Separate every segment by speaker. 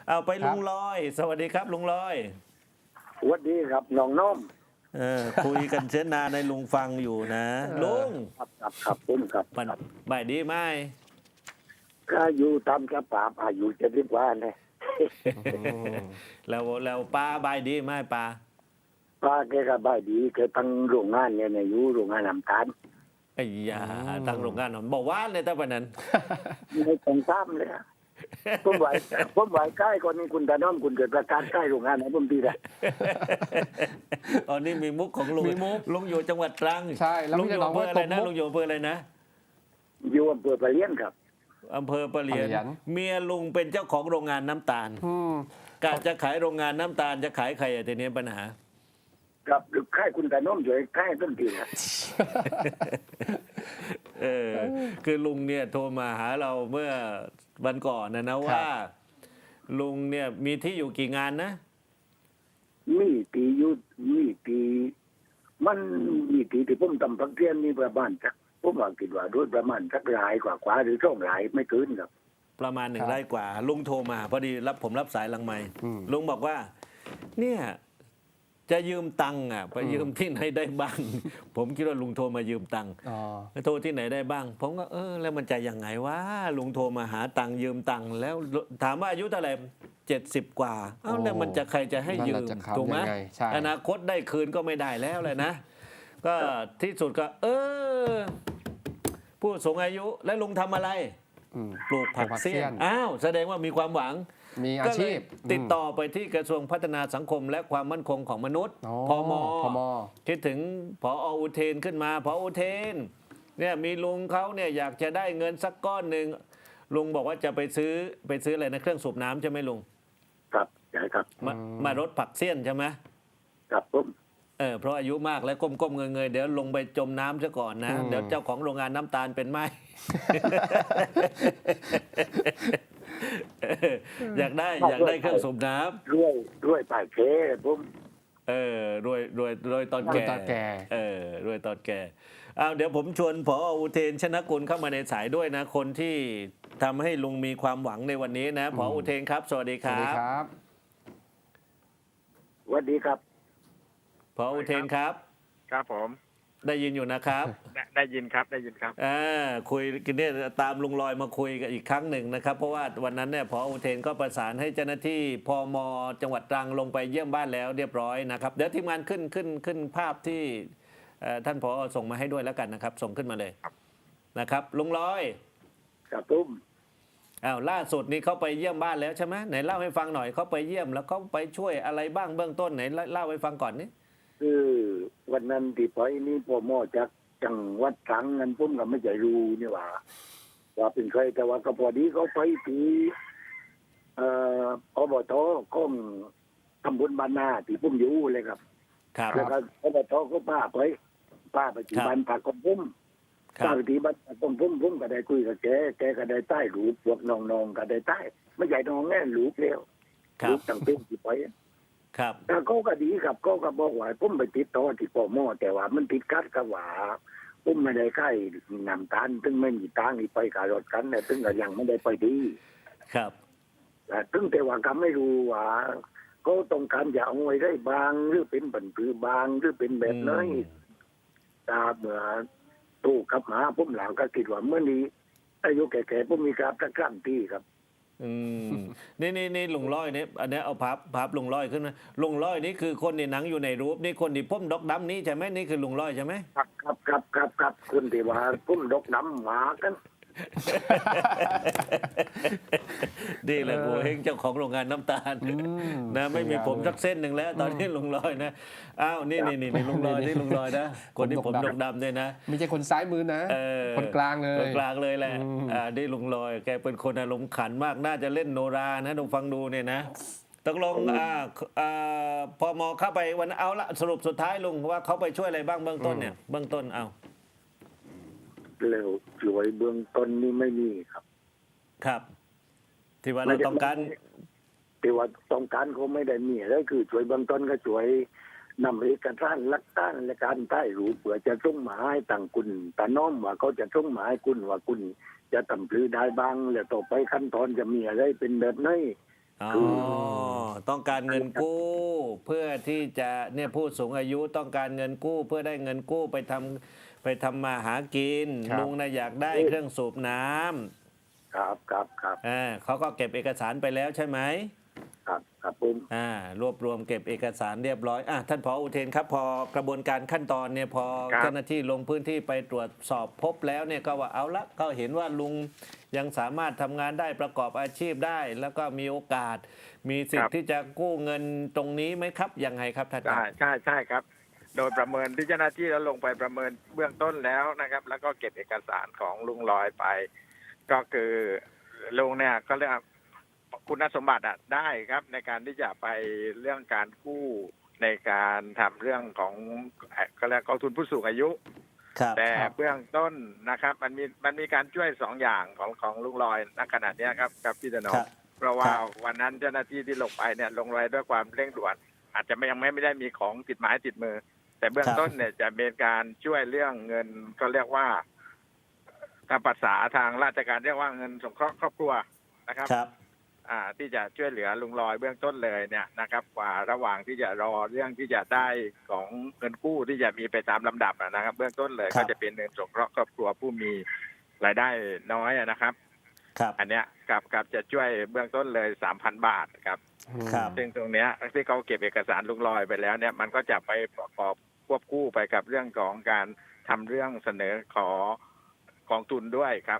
Speaker 1: เอาไป
Speaker 2: ครับ
Speaker 1: ลุงลอย สวัสดีครับลุงลอย
Speaker 3: สวัสดีครับน้องน้อม
Speaker 1: คุยกันเช้นนานในลุงฟังอยู่นะลุง
Speaker 3: ครับผมครับ
Speaker 1: มันบ่ายดีไหม
Speaker 3: ก็อยู่ตามกระป๋าอายุ70 กว่าเนี่ย
Speaker 1: แล้วป้าบ่ายดีไหมป้า
Speaker 3: ป้าแกก็บ้ายดีแกตั้งโรงงานเนี่ยอยู่โรงงานน้ำตาล
Speaker 1: ไอ้ยาตั้งโรงงานหนอนบอกว่าเลยตั้งแต่นั้น
Speaker 3: ไม่ต้องซ้ำเลยอะผมไหวใกล้ก่อนนี้คุณตาน้อมคุณเกิดประกาศใกล้โรงงานไหนผมดีแหละ
Speaker 1: ตอนนี้มีมุกของลุง
Speaker 2: มีมุก
Speaker 1: ลุงอยู่จังหวัดตรัง
Speaker 2: ใช่แล้ว
Speaker 1: ลุงอยู่อำเภออะไรนะ
Speaker 2: ตบมุก
Speaker 1: ลุงอยู่อำเภออะไรนะ
Speaker 3: อยู่อำเภอปะเลี้ยนครับ
Speaker 1: อำเภอปะเหลียน
Speaker 2: ปะเหลียน
Speaker 1: เมียลุงเป็นเจ้าของโรงงานน้ำตาล
Speaker 2: อืม
Speaker 1: กะจะขายโรงงานน้ำตาลจะขายใครอะทีนี้ปัญหา
Speaker 3: กับค่ายคุณตาน้อมช่วยค่ายต้นทีนะ
Speaker 1: เออคือลุงเนี่ยโทรมาหาเราเมื่อวันก่อนนะว่า ลุงเนี่ยมีที่อยู่กี่งานนะ
Speaker 3: มีปียุดมีปีมันมีปีที่ผมทำพักเทียนนี่ประมาณสักผมว่าคิดว่าด้วยประมาณสักรายกว่าหรือ2 รายไม่เกินครับ
Speaker 1: ประมาณ1 ไร่กว่า ลุงโทรมาพอดีผมรับสายหลังไมค์
Speaker 2: อืม
Speaker 1: ลุงบอกว่า เนี่ยจะยืมตังค์อ่ะไปยืมที่ไหนได้บ้าง ผมคิดว่าลุงโทรมายืมตังค์
Speaker 2: อ๋อ
Speaker 1: โทรที่ไหนได้บ้าง ผมก็แล้วมันจะยังไงวะลุงโทรมาหาตังค์ยืมตังค์แล้วถามว่าอายุเท่าไหร่70 กว่าแล้วมันจะใครจะให้ยืม
Speaker 2: นั่นแหละจะขำ
Speaker 1: ถูกไหม
Speaker 2: ยังไงใช่
Speaker 1: อนาคตได้คืนก็ไม่ได้แล้วเลยนะ ก็ที่สุดก็ผู้สูงอายุและลุงทำอะไร
Speaker 2: อืม
Speaker 1: ปลูกผักเสี้ยนอ้าวแสดงว่ามีความหวัง
Speaker 2: มีอา
Speaker 1: ก็เล
Speaker 2: ชี
Speaker 1: ย
Speaker 2: พ
Speaker 1: ติดต่อไปที่กระทรวงพัฒนาสังคมและความมั่นคงของมนุษย์
Speaker 2: อ๋อ
Speaker 1: พม
Speaker 2: พม
Speaker 1: คิดถึงผออุเทนขึ้นมาผออุเทนเนี่ยมีลุงเขาเนี่ยอยากจะได้เงินสักก้อนหนึ่งลุงบอกว่าจะไปซื้ออะไรนะเครื่องสูบน้ำใช่ไหมลุง
Speaker 3: ครับใช่ครับ
Speaker 1: มารถผักเสี้ยนใช่ไหม
Speaker 3: ครับผม
Speaker 1: เพราะอายุมากแล้วก้มๆเงยๆเดี๋ยวลงไปจมน้ำซะก่อนนะ เดี๋ยวเจ้าของโรงงานน้ำตาลเป็นไหม อยากได้เครื่องสูบน้ำ
Speaker 3: ด้วยป่ายเคผม
Speaker 1: รวยตอนแก่
Speaker 2: รวยตอนแก่
Speaker 1: รวยตอนแก่เอาเดี๋ยวผมชวนผออุเทนชนะกุลเข้ามาในสายด้วยนะ คนที่ทำให้ลุงมีความหวังในวันนี้นะผออุเทนครับ สวัสดีค
Speaker 2: สวัส
Speaker 1: รั
Speaker 2: ดี
Speaker 1: บ
Speaker 2: ครับ
Speaker 3: สวัสดีครับ
Speaker 1: ผออุเทนครับ
Speaker 4: ครับผม
Speaker 1: ได้ยินอยู่นะครับ
Speaker 4: ได้ยินครับได้ยินครับ
Speaker 1: คุยกันเนี่ยตามลุงลอยมาคุยกันอีกครั้งหนึ่งนะครับ เพราะว่าวันนั้นเนี่ยผออุเทนก็ประสานให้เจ้าหน้าที่พมจังหวัดตรังลงไปเยี่ยมบ้านแล้วเรียบร้อยนะครับเดี๋ยวทีมงานขึ้นภาพที่ท่านผอส่งมาให้ด้วยแล้วกันนะครับ ส่งขึ้นมาเลย
Speaker 4: ครับ
Speaker 1: นะครับลุงลอย
Speaker 3: ครับผม
Speaker 1: ล่าสุดนี้เขาไปเยี่ยมบ้านแล้วใช่ไหมไหนเล่าให้ฟังหน่อยเขาไปเยี่ยมแล้วเขาไปช่วยอะไรบ้างเบื้องต้นไหนเล่าให้ฟังก่อนนี่
Speaker 3: คือวันนั้นที่ไปนี่พ่อหมอจากจังหวัดตรังนั้นผมก็ไม่ใจรู้นี่ว่าเป็นใครแต่ว่าก็พอดีเขาไปที่อบตของตำบลบ้านนาที่ผมอยู่เลยครับ
Speaker 1: ครับ
Speaker 3: แล้วก็อบตก็ป้าไปที่บ้านผักของผม
Speaker 1: ครั
Speaker 3: ป้า
Speaker 1: บ
Speaker 3: ไปที่บ้านผักของผมก็ได้คุยกับแกก็ได้ใต้รูปพวกน้องๆก็ได้ใต้ไม่ใหญ่น้องแน่รูปแล้ว
Speaker 1: ครั
Speaker 3: รู
Speaker 1: บ
Speaker 3: ปต่างเป็นที่ไป
Speaker 1: ครับ
Speaker 3: แต่เขาก็ดีครับเขาก็บอกว่าผมไปติดต่อที่ปมแต่ว่ามันติดกัดกับว่าผมไม่ได้ใกล้นำตาลถึงไม่มีตังค์ไปกับรถกันแต่ถึงก็ยังไม่ได้ไปดี
Speaker 1: ครับ
Speaker 3: แต่ถึงแต่ว่าก็ไม่รู้ว่าเขาต้องการจะเอาไว้ได้บางหรือเป็นบันพือบางหรือเป็นแบบไหนตาเมื่อตู้กลับมาผมหลังก็คิดว่าเมื่อนี้อายุแก่ๆผมมีการตะกร้ำที่ครับ
Speaker 1: นี่ลุงร้อยเนี่ยอันนี้เอาพับลุงร้อยขึ้นนะลุงร้อยนี่คือคนในหนังอยู่ในรูปนี่คนที่พ่มดอกดำนี่ใช่ไหมนี่คือลุงร้อยใช่ไหม
Speaker 3: ครับคุณที่ว่าผมดกน้ำหมากัน
Speaker 1: นี่แหละโหเฮงเจ้าของโรงงานน้ำตาลนะไม่มีผมสักเส้นหนึ่งแล้ว ตอนนี้ลุงลอยนะอ้าวนี่ลุงลอยนี่ลุงลอยนะคนที่ผมดกดำเนี่ยนะ
Speaker 2: ไม่ใช่คนซ้ายมือนะ คนกลางเลย
Speaker 1: คนกลางเลยแหละนี่ลุงลอยแกเป็นคนอารมณ์ขันมากน่าจะเล่นโนรานะลองฟังดูเนี่ยนะตกลงพมเข้าไปวันเอาละสรุปสุดท้ายลุงว่าเขาไปช่วยอะไรบ้างเบื้องต้นเนี่ยเบื้องต้นเอา
Speaker 3: เร็วสวยเบื้องต้นนี่ไม่มีครับ
Speaker 1: ครับ ที่ว่าเราต้องการ
Speaker 3: แต่ว่าต้องการเขาไม่ได้มีอะไรคือช่วยเบื้องต้นก็ช่วยนำเอกสารหลักฐานและการใต้รูปเผื่อจะส่งมาให้ต่างคุณตาน้อมว่าเขาจะส่งมาให้คุณว่าคุณจะทำพลือได้บ้างแล้วต่อไปขั้นตอนจะมีอะไรเป็นแบบไหน
Speaker 1: อ๋อต้องการเงินกู้เพื่อที่จะเนี่ยผู้สูงอายุต้องการเงินกู้เพื่อได้เงินกู้ไปทำมาหากิน
Speaker 2: ครับ
Speaker 1: ลุงนะอยากได้เครื่องสูบน้ำ
Speaker 3: ครับ
Speaker 1: เขาก็เก็บเอกสารไปแล้วใช่ไหม
Speaker 3: ครับผม
Speaker 1: รวบรวมเก็บเอกสารเรียบร้อยท่านผอ.อุเทนครับพอกระบวนการขั้นตอนเนี่ยพอ
Speaker 4: ครับ
Speaker 1: เจ้าหน้าที่ลงพื้นที่ไปตรวจสอบพบแล้วเนี่ยก็ว่าเอาละก็เห็นว่าลุงยังสามารถทำงานได้ประกอบอาชีพได้ แล้วก็มีโอกาส มีสิทธิ์ที่จะกู้เงินตรงนี้ไหมครับยังไงครับท่านค
Speaker 4: ใช่
Speaker 1: รับ
Speaker 4: ครับ โดยประเมินที่เจ้าหน้าที่แล้วลงไปประเมินเบื้องต้นแล้วนะครับ แล้วก็เก็บเอกสารของลุงลอยไป ก็คือลุงเนี่ยก็เรียกว่าคุณสมบัติได้ครับ ในการที่จะไปเรื่องการกู้ในการทำเรื่องของก็เรียกกองทุนผู้สูงอายุ
Speaker 1: ครับ
Speaker 4: แต่เบื้องต้นนะครับ มันมีการช่วย2 อย่างของลุงลอยณขณะเนี้ยครับพี่ถนอ
Speaker 1: ค
Speaker 4: ม
Speaker 1: รับ
Speaker 4: เพราะว่า
Speaker 1: ครับ
Speaker 4: วันนั้นเจ้าหน้าที่ที่ลงไปเนี่ยลงไปด้วยความเร่งด่วน อาจจะยังไม่ได้มีของติดไม้ติดมือ แต่เบื้องต้นเนี่ยจะเป็นการช่วยเรื่องเงินก็เรียกว่าตามภาษาทางราชการเรียกว่าเงินสงเคราะห์ครอบครัวนะครับ
Speaker 1: ครับ
Speaker 4: ที่จะช่วยเหลือลุงลอยเบื้องต้นเลยเนี่ยนะครับกว่าระหว่างที่จะรอเรื่องที่จะได้ของเงินกู้ที่จะมีไปตามลำดับนะครับ เบื้องต้นเลย
Speaker 1: ครั
Speaker 4: ก็
Speaker 1: บ
Speaker 4: จะเป็นเงินสงเคราะห์ครอบครัวผู้มีรายได้น้อยนะครับ
Speaker 1: ครับ
Speaker 4: อันเนี้ยกับจะช่วยเบื้องต้นเลย 3,000 บาทครับ
Speaker 1: ครับ
Speaker 4: ซึ่งตรงเนี้ยที่เขาเก็บเอกสารลุงลอยไปแล้วเนี่ยมันก็จะไปประกอบควบคู่ไปกับเรื่องของการทำเรื่องเสนอขอกองทุนด้วยครับ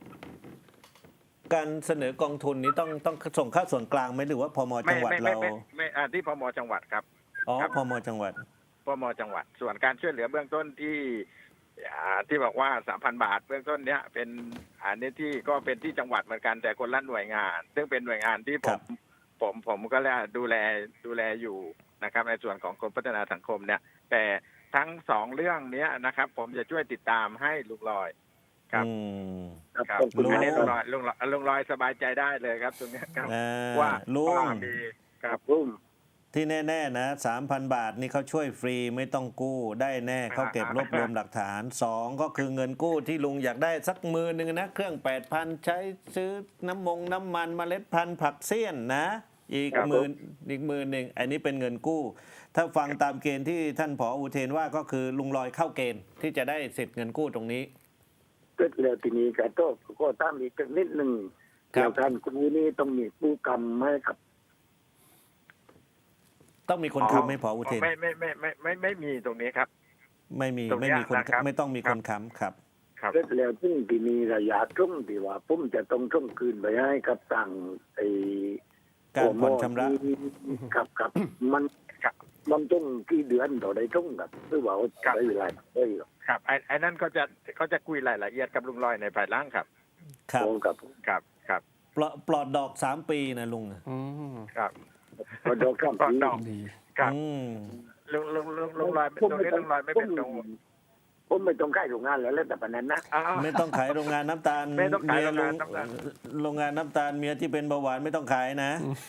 Speaker 1: การเสนอกองทุนนี้ต้องส่งเข้าส่วนกลางไหมหรือว่าพมจังหวัดเรา
Speaker 4: ไม่ที่พมจังหวัดครับ
Speaker 1: อ๋อ
Speaker 4: ครับ
Speaker 1: พมจังหวัด
Speaker 4: พมจังหวัด ส่วนการช่วยเหลือเบื้องต้นที่บอกว่า 3,000 บาท เบื้องต้นเนี้ยเป็นอันนี้ที่ก็เป็นที่จังหวัดเหมือนกันแต่คนละหน่วยงาน ซึ่งเป็นหน่วยงานที่
Speaker 1: ค
Speaker 4: ผ
Speaker 1: รับ
Speaker 4: มก็ดูแลอยู่นะครับ ในส่วนของกรมพัฒนาสังคมเนี่ย แต่ทั้ง2เรื่องเนี้ยนะครับ ผมจะช่วยติดตามให้ลุงลอยครับ
Speaker 1: อืม
Speaker 4: ครับ
Speaker 3: ขอบคุณ
Speaker 4: อันนี้
Speaker 3: ค
Speaker 4: ลุ
Speaker 3: รับ
Speaker 4: งลอยสบายใจได้เลยครับ ตรงเนี้ยครับ ว่า
Speaker 1: ลุง
Speaker 4: มีค
Speaker 3: ค
Speaker 4: รั
Speaker 3: รั
Speaker 4: บบ
Speaker 3: ผม
Speaker 1: ที่แน่ๆนะ 3,000 บาทนี่เขาช่วยฟรีไม่ต้องกู้ได้แน่เขาเก็บรวบรวมหลักฐาน 2 ก็คือเงินกู้ที่ลุงอยากได้สักมือหนึ่งนะ เครื่อง 8,000 ใช้ซื้อน้ำมันเมล็ดพันธุ์ผักเสี้ยนนะ อีกหมื่นหนึ่งอันนี้เป็นเงินกู้ ถ้าฟังตามเกณฑ์ที่ท่านผอ.อุเทนว่าก็คือลุงลอยเข้าเกณฑ์ที่จะได้สิทธิ์เงินกู้ตรงนี้
Speaker 3: เกิดแล้วทีนี้ก็ตามอีกนิดหนึ่ง
Speaker 1: ครับ
Speaker 3: เกี่ยวกันครูนี่ต้องมีผู้กรรมไหมครับ
Speaker 1: ต้องมีคนค้ำไหม่ผอ.อุเทน
Speaker 4: ไม่มีตรงนี้ครับ
Speaker 1: ไม่มี
Speaker 4: ตรงเนี้ย
Speaker 1: ไม่มีคน
Speaker 4: นะครับ
Speaker 1: ไม่ต้องมีคนค้ำครับ
Speaker 4: ครับ
Speaker 3: เกิดแล้วซึ่งทีนี้ระยะตรงที่ว่าผมจะต้องส่งคืนไปให้กับต่างไอ้
Speaker 1: การผ่อนชำระ
Speaker 3: ครับมัน
Speaker 4: ครับ
Speaker 3: มันต้องกี่เดือนต่อได้ตรงกับหรือว่า
Speaker 4: ครับ
Speaker 3: ใช้เวลาได้หรอ
Speaker 4: ครับไอ้นั่นเขาจะคุยรายละเอียดกับลุงลอยในภายหลังครับ
Speaker 1: ครับ
Speaker 3: โอ้ครับ
Speaker 4: ครับ
Speaker 1: ปลอดดอก 3 ปีนะลุง
Speaker 2: อืม
Speaker 4: ครับ
Speaker 3: พอดอกครับ
Speaker 4: ปลอดดอก
Speaker 2: ดี
Speaker 4: ครับ
Speaker 1: อืม
Speaker 4: ลุงลอยตรงนี้ลุงลอยไม่เป็นกังวล
Speaker 3: ผมไม่ต้องใกล้โรงงานแล้วแต่ปานนั้นนะ
Speaker 4: อ้าว
Speaker 1: ไม่ต้องขายโรงงานน้ำตาล
Speaker 4: ไม่ต้องขาย
Speaker 1: เมี
Speaker 4: โรงงานน้ำตาล
Speaker 1: โรงงานน้ำตาลเมียที่เป็นเบาหวานไม่ต้องขายนะ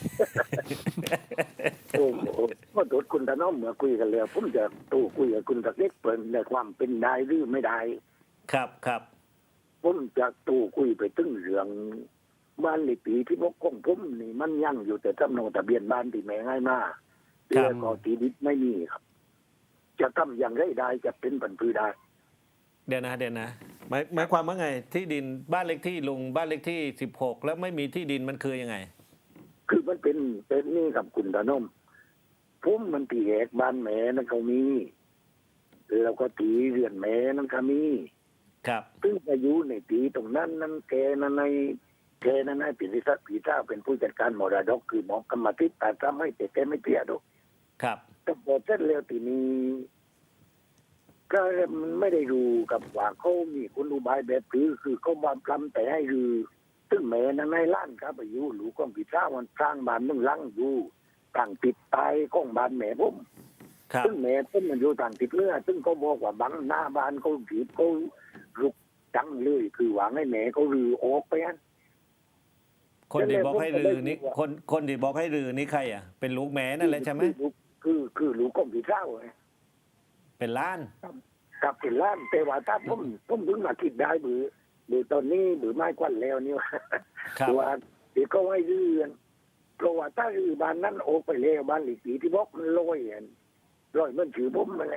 Speaker 3: โอ้โหเมื่อตรวจคุณตาน้องเมื่อคุยกันแล้วผมจะตู้คุยกับคุณตะเล็กเปิดในความเป็นได้หรือไม่ได้
Speaker 1: ครับ
Speaker 3: ผมจะตู้คุยไปถึงเรื่องบ้านในปีที่พกของผมนี่มันยังอยู่แต่จำนองทะเบียนบ้านที่แม่ง่ายมาก
Speaker 1: ครับ
Speaker 3: แล้วก็ทีดิษไม่มีครับ จะทำอย่างไรได้จะเป็นปันพือได้
Speaker 1: เดี๋ยวนะหมายความว่าไงที่ดินบ้านเลขที่ลุงบ้านเลขที่ 16 แล้วไม่มีที่ดินมันคือยังไง
Speaker 3: คือมันเป็นนี่กับคุณตาน้องผมมันตีแหกบ้านแม่นั่นเขามีแล้วก็ตีเรือนแม่นั่นก็มี
Speaker 1: ครับ
Speaker 3: ซึ่งอายุในปีตรงนั้นนั้นแกนั้นในปิริศักดิ์ปีเจ้าเป็นผู้จัดการมรดกคือหมอกรรมธิการทำให้แต่แกไม่เตี้ยดอก
Speaker 1: ครับ
Speaker 3: แต่พอเสร็จแล้วทีนี้ก็มันไม่ได้รู้กับว่าเขามีคุณอุบายแบบคือเขามาปลำแต่ให้รือซึ่งแม่นั้นในล้านครับอายุหลูกของปีเจ้ามันสร้างบ้านนึ่งหลังอยู่ต่างติดตายของบ้านแม่ผม
Speaker 1: ครับ
Speaker 3: ซึ่งแม่ผมมันอยู่ต่างติดเนื้อซึ่งเขาบอกว่าบังหน้าบ้านเขาถีบเขาลุกจังเลยคือหวังให้แม่เขาลือออกไปอัน
Speaker 1: คนที่บอกให้ลือนี่คนที่บอกให้ลือนี่ใครอ่ะเป็นลูกแม่นั่นแหละใช่ไหม
Speaker 3: คือลูกของพี่เจ้าไง
Speaker 1: เป็นล้าน
Speaker 3: กับเป็นล้านแต่ว่าถ้าผมเพิ่งมาคิดได้บือตอนนี้บือไม้กวันแล้วนี่ว่า
Speaker 1: ครับ
Speaker 3: ว่าเดี๋ยวก็ให้เรื่องเพราะว่าถ้ารื้อบ้านนั้นออกไปแล้วบ้านหลีกปีที่บอกมันลอยลอยมันถือผมมาเลย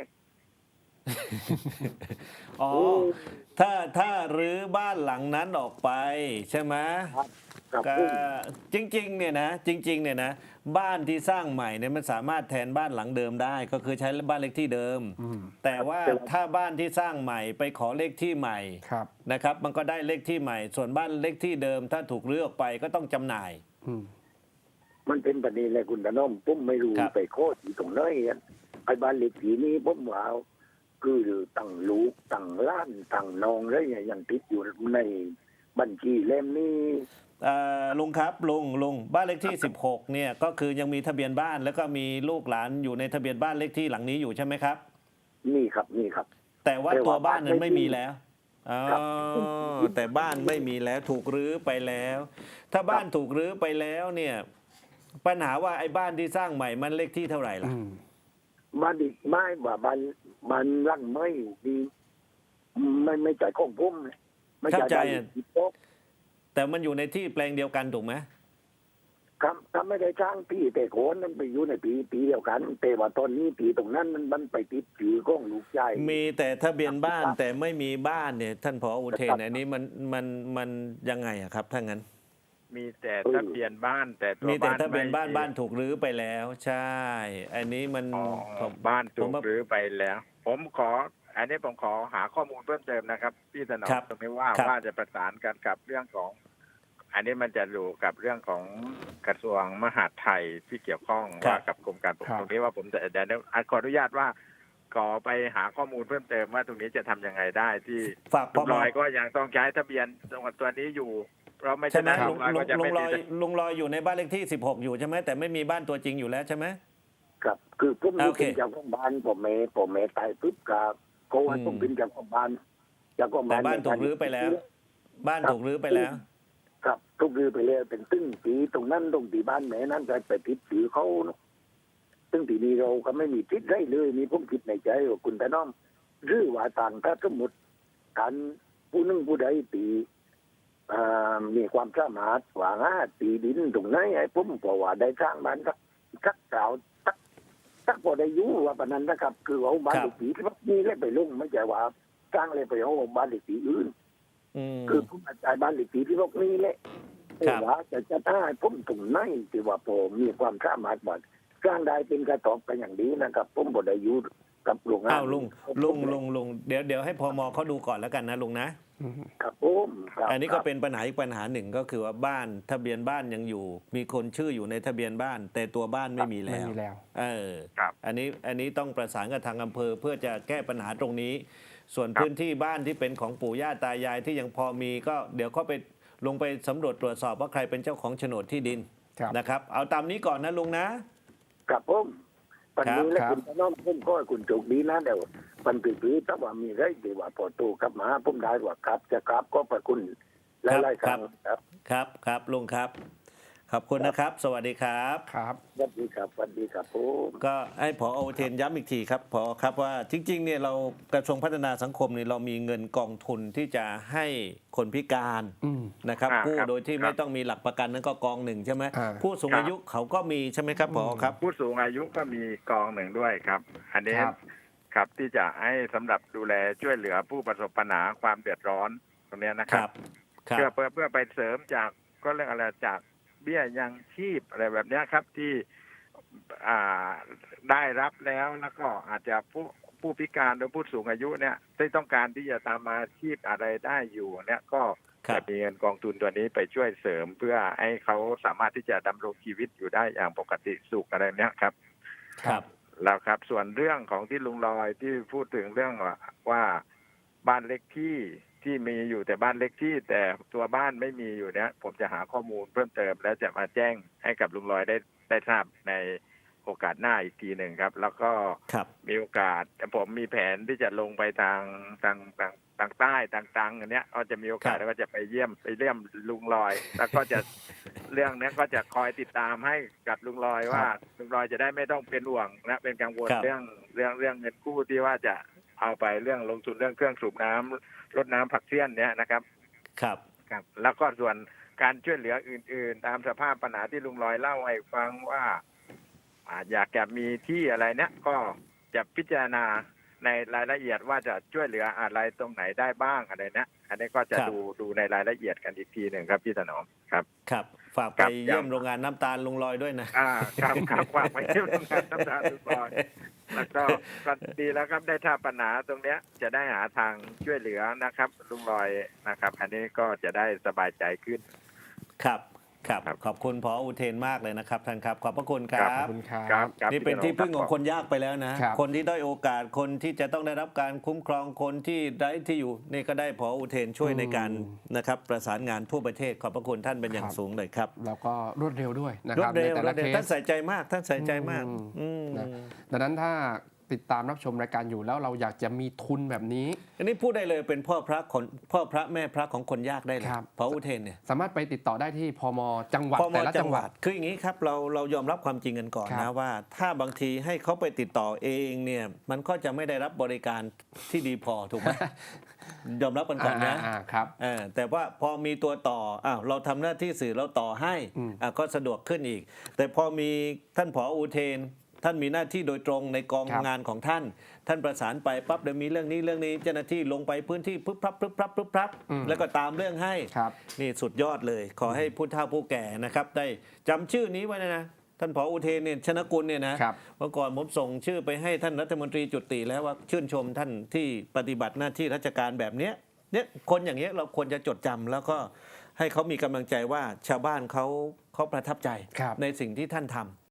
Speaker 1: อ๋อ
Speaker 3: โอ้
Speaker 1: ถ้ารื้อบ้านหลังนั้นออกไปใช่ไหม
Speaker 3: กับ
Speaker 1: ก็
Speaker 3: ผม
Speaker 1: จริงๆเนี่ยนะจริงๆเนี่ยนะบ้านที่สร้างใหม่เนี่ยมันสามารถแทนบ้านหลังเดิมได้ ก็คือใช้บ้านเลขที่เดิม แต่ว่าถ้าบ้านที่สร้างใหม่ไปขอเลขที่ใหม่
Speaker 2: ครับ
Speaker 1: นะครับ มันก็ได้เลขที่ใหม่ ส่วนบ้านเลขที่เดิม ถ้าถูกรื้อออกไปก็ต้องจำหน่าย
Speaker 2: อืม
Speaker 3: มันเป็นประเด็นเลยคุณตาน้อมผมไม่รู้
Speaker 1: ครับ
Speaker 3: ไปโคตรอยู่ตรงไหนอะไอ้บ้านหลีกปีนี้ผมว่าคือตั้งลูกตั้งล้านตั้งน้องอะไรอย่างยังติดอยู่ในบัญชีเล่มนี้
Speaker 1: ลุงครับลุงบ้านเลขที่ 16เนี่ยก็คือยังมีทะเบียนบ้านแล้วก็มีลูกหลานอยู่ในทะเบียนบ้านเลขที่หลังนี้อยู่ใช่ไหมครับ
Speaker 3: นี่ครับนี่ครับ
Speaker 1: แต่ว่า
Speaker 3: แต่ว่า
Speaker 1: ตัวบ้านนั้น
Speaker 3: บ้านไม่
Speaker 1: ไม่มีแล้วอ๋อ
Speaker 3: ครับ
Speaker 1: แต่บ้านไม่มีแล้วถูกรื้อไปแล้ว ถ้าบ้านถูกรื้อไปแล้วเนี่ยปัญหาว่าไอ้บ้านที่สร้างใหม่มันเลขที่เท่าไหร่ล่ะ
Speaker 3: บ้านอีกไม่ว่าบ้านร่างไม่ดีไม่จ่ายของผมเลยไม่จ่าย
Speaker 1: เข้าใจ
Speaker 3: ได้
Speaker 1: อะ
Speaker 3: ที่โต๊ะ
Speaker 1: แต่มันอยู่ในที่แปลงเดียวกันถูกไหม
Speaker 3: ครับไม่ได้จ้างพี่แต่โคนนั้นไปอยู่ในปีเดียวกัน แต่ว่าตอนนี้ปีตรงนั้นมันไปติดถือก้องลูกชาย
Speaker 1: มีแต่ทะเบียนบ้านแต่ไม่มีบ้านเนี่ยท่านผออุเทนอันนี้มันยังไงอะครับถ้างั้น
Speaker 4: มีแต่ทะเบียนบ้านแต่ตัว
Speaker 1: มีแต่
Speaker 4: บ้าน
Speaker 1: ทะเบียนบ้าน
Speaker 4: ไม่มี
Speaker 1: บ้านถูกรื้อไปแล้ว ใช่ อันนี้มัน
Speaker 4: อ๋อ
Speaker 1: ผม
Speaker 4: บ้านถู
Speaker 1: ผ
Speaker 4: ก
Speaker 1: มว่า
Speaker 4: รื้อไปแล้ว อันนี้ผมขอหาข้อมูลเพิ่มเติมนะครับพี่ถนอม
Speaker 1: ครับ
Speaker 4: ตรงนี้ว่า
Speaker 1: ครับ
Speaker 4: ว่าจะประสานกันกับเรื่องของ อันนี้มันจะอยู่กับเรื่องของกระทรวงมหาดไทยที่เกี่ยวข้อง
Speaker 1: ครับ
Speaker 4: ว่ากับกรมการปกครอง
Speaker 2: ครับ
Speaker 4: ตรงนี้ว่าผมจะเดี๋ยวขออนุญาตว่าขอไปหาข้อมูลเพิ่มเติมว่าตรงนี้จะทำยังไงได้ที่
Speaker 1: ฝาก
Speaker 4: ลุ
Speaker 1: พ
Speaker 4: ง
Speaker 1: ม
Speaker 4: ลอยก็ยังต้องใช้ทะเบียนจังหวัดตัวนี้อยู่ เพราะไม่
Speaker 1: ใช่
Speaker 4: ฉะ
Speaker 1: ไหม
Speaker 4: นั้น
Speaker 1: ลุ
Speaker 4: ลุ
Speaker 1: ง
Speaker 4: งลอย
Speaker 1: ลุ
Speaker 4: ก็
Speaker 1: ง
Speaker 4: จะ
Speaker 1: ลุ
Speaker 4: ไม่
Speaker 1: งล
Speaker 4: ติ
Speaker 1: อย
Speaker 4: ด
Speaker 1: ลุงลอยอยู่ในบ้านเลขที่ 16 อยู่ใช่ไหมแต่ไม่มีบ้านตัวจริงอยู่แล้วใช่ไหม
Speaker 3: ครับคือผม
Speaker 1: โอเค
Speaker 3: เป็นเจ้าของบ้านผมเมตายปุ๊บกับเขาว่าผมเป็นเจ้าของบ้านเจ้าของ
Speaker 1: แต่
Speaker 3: บ้าน
Speaker 1: บ้านถูกรื้อไปแล้ว บ้านถูกรื้อไปแล้ว
Speaker 3: ครับถูกรื้อไปแล้วเป็นตึ้งปีตรงนั้นตรงที่บ้านแม่นั้นไปติดถือเขาเนอะซึ่งทีนี้เราก็ไม่มีทิศได้เลยมีผมคิดในใจว่าคุณแต่น้องหรือว่าต่างถ้าสมมติการผู้หนึงผู้ใดตีมีความสามารถว่าตีดินตรงไหนไอ้ผมก็ว่าได้สร้างบ้านสักเก่าสักพอได้อยู่ว่าปานนั้นนะครับ คือเอาบ้าน
Speaker 1: ครับ
Speaker 3: เด็กผีที่ว่านี่เล่ไปลงไม่ใช่ว่าสร้างเลยไปเอาบ้านเด็กผีอื่น
Speaker 1: อืม
Speaker 3: คือผมอาจารย์บ้านเด็กผีที่พวกนี้แหละ
Speaker 1: ครับ
Speaker 3: แต่ว่าจะได้ผมตรงไหนที่ว่าผมมีความสามารถว่าสร้างได้เป็นกระตอบกันอย่างดีนะครับ ผมบ่ได้อยู่กับโรงงาน
Speaker 1: อ้าวลุงเดี๋ยวให้พมเขาดูก่อนแล้วกันนะลุงนะ
Speaker 3: ครับผมครับ
Speaker 1: อันนี้ก็เป็นปัญหาอีกปัญหาหนึ่งก็คือว่าบ้านทะเบียนบ้านยังอยู่ มีคนชื่ออยู่ในทะเบียนบ้าน แต่ตัวบ้านไม่มี
Speaker 2: ไม่
Speaker 1: แล้ว
Speaker 2: มีแล้ว
Speaker 1: เออ
Speaker 4: ครับ
Speaker 1: อันนี้ต้องประสานกับทางอำเภอเพื่อจะแก้ปัญหาตรงนี้ ส่วน
Speaker 4: ครับ
Speaker 1: พื้นที่บ้านที่เป็นของปู่ย่าตายายที่ยังพอมีก็เดี๋ยวเขาไปลงไปสำรวจตรวจสอบว่าใครเป็นเจ้าของโฉนดที่ดิน
Speaker 2: ครับ
Speaker 1: นะครับ เอาตามนี้ก่อนนะลุงนะ
Speaker 3: ครับผมปันนี้และ
Speaker 2: ครับ
Speaker 3: คุณน้องผมก็ให้คุณโชคดีนะเดี๋ยวปันปีถ้าว่ามีไรที่ว่าพอโตกลับมาผมได้ว่าครับจะครับก็ประคุณหลายๆครั้งครับ
Speaker 1: ครับลุงครับ ขอบคุณนะครับ สวัสดีครับ
Speaker 2: ครับ
Speaker 3: สวัสดีครับสวัสดีครับผม
Speaker 1: ก็ให้ผออุเทนย้ำอีกทีครับผอครับว่าจริงๆเนี่ยเรากระทรวงพัฒนาสังคมเนี่ยเรามีเงินกองทุนที่จะให้คนพิการ
Speaker 2: อืม
Speaker 1: นะครับ
Speaker 4: ครับ
Speaker 1: กู้โดยที่
Speaker 4: ครับ
Speaker 1: ไม่ต้องมีหลักประกันนั้นก็กองหนึ่งใช่ไหม
Speaker 2: อ่า
Speaker 1: ผู้สูงอายุเขาก็มีใช่ไหมครับผอครับ
Speaker 4: ผู้สูงอายุก็มีกองหนึ่งด้วยครับ อันนี้
Speaker 2: ครับ
Speaker 4: ครับที่จะให้สำหรับดูแลช่วยเหลือผู้ประสบปัญหาความเดือดร้อนตรงเนี้ยนะ
Speaker 1: ค
Speaker 4: ค
Speaker 1: รั
Speaker 4: รั
Speaker 1: บบ ครับ
Speaker 4: เพื่อไปเสริมจากก็เรื่องอะไรจากเบี้ยยังชีพอะไรแบบเนี้ยครับที่ได้รับแล้วก็อาจจะผู้พิการหรือผู้สูงอายุเนี่ยที่ต้องการที่จะตามอาชีพอะไรได้อยู่เนี่ยก็
Speaker 1: ครั
Speaker 4: จะ
Speaker 1: บ
Speaker 4: มีเงินกองทุนตัวนี้ไปช่วยเสริม เพื่อให้เขาสามารถที่จะดำรงชีวิตอยู่ได้อย่างปกติสุขอะไรเนี้ยครับ
Speaker 1: ครับ
Speaker 4: แล้วครับส่วนเรื่องของที่ลุงลอยที่พูดถึงเรื่องว่าบ้านเล็กที่มีอยู่แต่บ้านเล็กที่แต่ตัวบ้านไม่มีอยู่เนี้ยผมจะหาข้อมูลเพิ่มเติมแล้วจะมาแจ้งให้กับลุงลอยได้ทราบในโอกาสหน้าอีกทีหนึ่งครับ แล้วก็
Speaker 1: ครับ
Speaker 4: มีโอกาสผมมีแผนที่จะลงไปทางใต้ต่างๆอันเนี้ยก็จะมีโอกาส
Speaker 1: ครับ
Speaker 4: แล้วก็จะไปเยี่ยมลุงลอย แล้วก็จะเรื่องเนี้ยก็จะคอยติดตามให้กับลุงลอยว่าลุงลอยจะได้ไม่ต้องเป็นห่วงนะเป็นกังวล
Speaker 1: ครับ
Speaker 4: เรื่องเงินกู้ที่ว่าจะเอาไปเรื่องลงทุนเรื่องเครื่องสูบน้ำรดน้ำผักเสี้ยนเนี้ยนะครับ
Speaker 1: ครับ
Speaker 4: ครับ แล้วก็ส่วนการช่วยเหลืออื่น ๆ ตามสภาพปัญหาที่ลุงลอยเล่าให้ฟังว่าอยากจะมีที่อะไรเนี่ยก็จะพิจารณาในรายละเอียดว่าจะช่วยเหลืออะไรตรงไหนได้บ้างอะไรนะอันนี้ก็จะดูในรายละเอียดกันอีกทีหนึ่งครับพี่ถนอมครับ
Speaker 1: ครับฝากไปเยี่ยมโรงงานน้ำตาลลุงลอยด้วยนะ
Speaker 4: ครับฝากไปเยี่ยมโรงงานน้ำตาลลุงลอยแล้วก็ดีแล้วครับได้ถ้าปัญหาตรงเนี้ยจะได้หาทางช่วยเหลือนะครับลุงลอยนะครับ อันนี้ก็จะได้สบายใจขึ้น
Speaker 1: ครับขอบคุณผออุเทนมากเลยนะครับท่านครับขอบพระคุณค
Speaker 2: ข
Speaker 1: รั
Speaker 2: อบบ คุณครับ
Speaker 1: นี่เป็นที่พึ่งของคนยากไปแล้วนะ
Speaker 2: ครับ
Speaker 1: คนที่ด้อยโอกาสคนที่จะต้องได้รับการคุ้มครองคนที่ไร้ที่อยู่นี่ก็ได้ผออุเทนช่วยในการนะครับประสานงานทั่วประเทศขอบพระคุณท่านเป็นอย่างสูงเลยครับ
Speaker 2: แล้วก็รวดเร็วด้วยนะ
Speaker 1: ร
Speaker 2: คว รั
Speaker 1: ด
Speaker 2: บ
Speaker 1: เร็
Speaker 2: ใน
Speaker 1: ว
Speaker 2: แต่
Speaker 1: ร
Speaker 2: ละ
Speaker 1: วดเร็ว
Speaker 2: เค
Speaker 1: ท่าน
Speaker 2: ส
Speaker 1: ใส่ใจมากท่านใส่ใจมาก
Speaker 2: นะ ดังนั้นถ้าติดตามรับชมรายการอยู่แล้วเราอยากจะมีทุนแบบนี้
Speaker 1: อันนี้พูดได้เลยเป็นพ่อพระแม่พระของคนยากได้เลย
Speaker 2: ครับ
Speaker 1: ผออุเทนเนี่ย
Speaker 2: สามารถไปติดต่อได้ที่พมจังหวัด
Speaker 1: พม
Speaker 2: แต่ละจังหวัด
Speaker 1: คืออย่างนี้ครับเรายอมรับความจริงกันก่อน
Speaker 2: ครั
Speaker 1: นะ
Speaker 2: บ
Speaker 1: ว่า ถ้าบางทีให้เขาไปติดต่อเองเนี่ยมันก็จะไม่ได้รับบริการที่ดีพอถูกไหม ยอมรับกันก่อนนะ
Speaker 2: ครับ
Speaker 1: แต่ว่าพอมีตัวต่อเราทำหน้าที่สื่อเราต่อให้ ก็สะดวกขึ้นอีก แต่พอมีท่านผออุเทน ท่านมีหน้าที่โดยตรงในกอง
Speaker 2: ครับ
Speaker 1: งานของท่าน ท่านประสานไปปั๊บเดี๋ยวมีเรื่องนี้เจ้าหน้าที่ลงไปพื้นที่ปึ๊บปั๊บแล้วก็ตามเรื่องให้
Speaker 2: ครับ
Speaker 1: นี่สุดยอดเลย ขอให้ผู้เฒ่าผู้แก่นะครับ ได้จำชื่อนี้ไว้นะท่านผออุเทนเนี่ยชนกุลเนี่ยนะครับ เมื่อก่อนผมส่งชื่อไปให้ท่านรัฐมนตรีจุติแล้วว่าชื่นชมท่านที่ปฏิบัติหน้าที่ราชการแบบเนี้ยคนอย่างเงี้ยเราควรจะจดจำแล้วก็ให้เขามีกำลังใจว่าชาวบ้านเขาประทับใจ
Speaker 2: ครับ
Speaker 1: ในสิ่งที่ท่านทำ